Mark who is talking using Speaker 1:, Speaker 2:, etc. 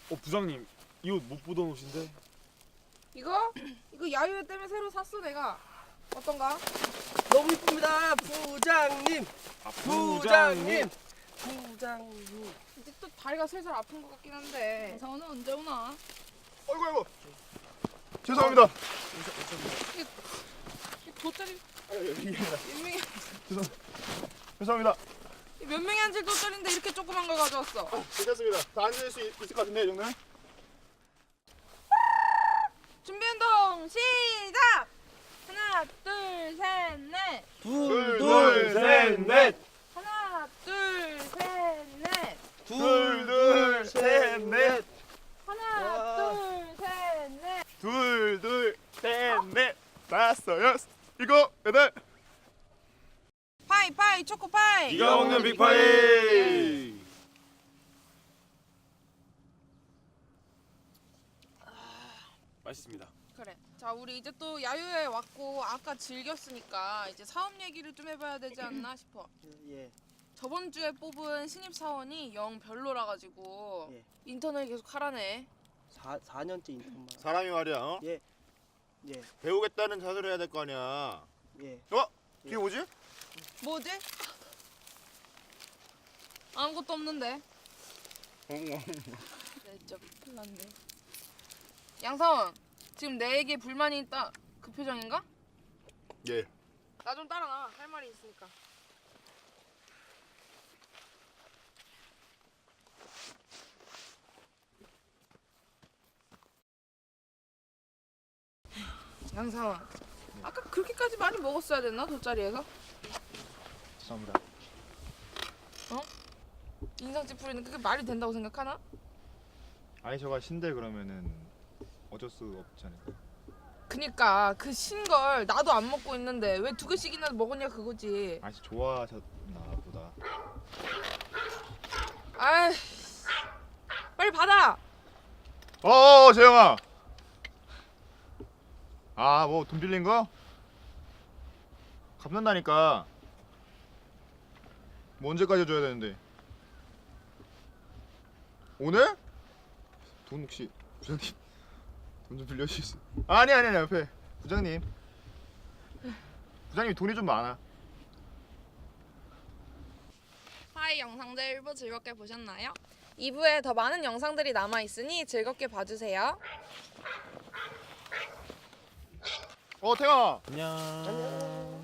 Speaker 1: 부장님, 이 옷 못 보던 옷인데.
Speaker 2: 이거 야유회 때문에 새로 샀어 내가. 어떤가?
Speaker 3: 너무 이쁩니다, 부장님. 부장님. 부장님.
Speaker 2: 이제 또 다리가 슬슬 아픈 것 같긴 한데.
Speaker 4: 장원은 언제 오나?
Speaker 5: 아이고 죄송합니다.
Speaker 2: 이 돗자리 몇 명이
Speaker 5: 죄송합니다.
Speaker 2: 몇 명이 앉을 돗자리인데 이렇게 조그만 걸 가져왔어.
Speaker 5: 괜찮습니다. 다 앉을 수 있을 것 같은데 이 정도면?
Speaker 2: 준비 운동 시작. 하나 둘 셋 넷.
Speaker 5: 둘, 셋, 넷.
Speaker 2: 하나 둘 셋 넷.
Speaker 5: 둘, 셋, 넷.
Speaker 2: 하나 둘 셋 넷.
Speaker 5: 둘, 셋, 넷. 다섯, 여섯, 일곱, 여덟.
Speaker 2: 파이 초코파이.
Speaker 1: 네가 먹는 빅파이. 맛있습니다.
Speaker 2: 그래. 자 우리 이제 또 야유회 왔고 아까 즐겼으니까 이제 사업 얘기를 좀 해봐야 되지 않나 싶어.
Speaker 3: 예.
Speaker 2: 저번 주에 뽑은 신입 사원이 영 별로라 가지고
Speaker 3: 예.
Speaker 2: 인턴을 계속 하라네.
Speaker 3: 4년째 인턴만.
Speaker 5: 사람이 말이야, 어?
Speaker 3: 예.
Speaker 5: 배우겠다는 자세를 해야 될 거 아니야.
Speaker 3: 예.
Speaker 5: 그게 뭐지?
Speaker 2: 뭐지? 아무것도 없는데. 네, 진짜 큰일 났네. 양사원, 지금 내게 불만이 있다. 그 표정인가?
Speaker 5: 예.
Speaker 2: 나 좀 따라 나와. 할 말이 있으니까. 양사원, 아까 그렇게까지 많이 먹었어야 됐나? 돗자리에서?
Speaker 5: 죄송합니다.
Speaker 2: 인상 찌푸리는 그게 말이 된다고 생각하나?
Speaker 5: 아니 저가 신데 그러면은 어쩔 수 없지 않을까?
Speaker 2: 그니까 그 신걸 나도 안 먹고 있는데 왜 2개씩이나 먹었냐 그거지.
Speaker 5: 아씨 좋아하셨나 보다.
Speaker 2: 아이, 빨리 받아.
Speaker 5: 재영아. 뭐 돈 빌린 거? 갚는다니까. 뭐 언제까지 줘야 되는데? 오늘? 돈 혹시 부장님 돈 좀 빌려주실 수? 아니 옆에 부장님. 부장님이 돈이 좀 많아.
Speaker 4: 파이 영상들 1부 즐겁게 보셨나요?
Speaker 2: 2부에 더 많은 영상들이 남아있으니 즐겁게 봐주세요.
Speaker 5: 태영아.
Speaker 1: 안녕.